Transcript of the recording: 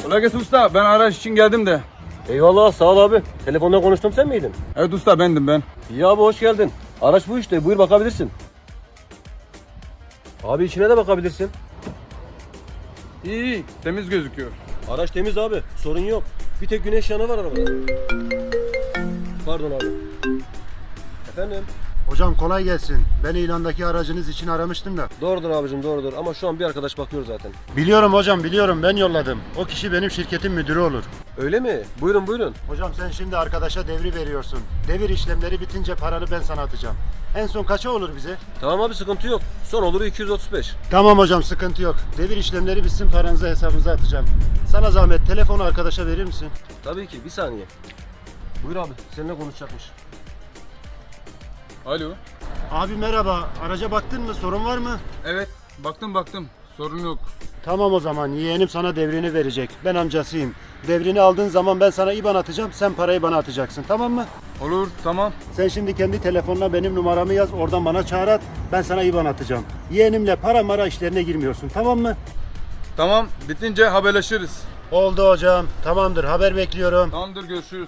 Kolay gelsin usta. Ben araç için geldim de. Eyvallah sağ ol abi. Telefonda konuştum sen miydin? Evet usta bendim ben. İyi abi hoş geldin. Araç bu işte buyur bakabilirsin. Abi içine de bakabilirsin. İyi temiz gözüküyor. Araç temiz abi sorun yok. Bir tek güneş yanı var arabada. Pardon abi. Efendim? Hocam kolay gelsin. Ben ilandaki aracınız için aramıştım da. Doğrudur abicim doğrudur ama şu an bir arkadaş bakıyor zaten. Biliyorum hocam biliyorum, ben yolladım. O kişi benim şirketin müdürü olur. Öyle mi? Buyurun buyurun. Hocam sen şimdi arkadaşa devri veriyorsun. Devir işlemleri bitince paranı ben sana atacağım. En son kaça olur bize? Tamam abi sıkıntı yok. Son olur 235. Tamam hocam sıkıntı yok. Devir işlemleri bitsin, paranızı hesabınıza atacağım. Sana zahmet telefonu arkadaşa verir misin? Tabii ki bir saniye. Buyur abi seninle konuşacakmış. Alo. Abi merhaba, araca baktın mı, sorun var mı? Evet baktım. Sorun yok. Tamam o zaman, yeğenim sana devrini verecek. Ben amcasıyım. Devrini aldığın zaman ben sana IBAN atacağım, sen parayı bana atacaksın, tamam mı? Olur tamam. Sen şimdi kendi telefonuna benim numaramı yaz, oradan bana çağır at, ben sana IBAN atacağım. Yeğenimle para mara işlerine girmiyorsun, tamam mı? Tamam bitince haberleşiriz. Oldu hocam, tamamdır, haber bekliyorum. Tamamdır görüşürüz.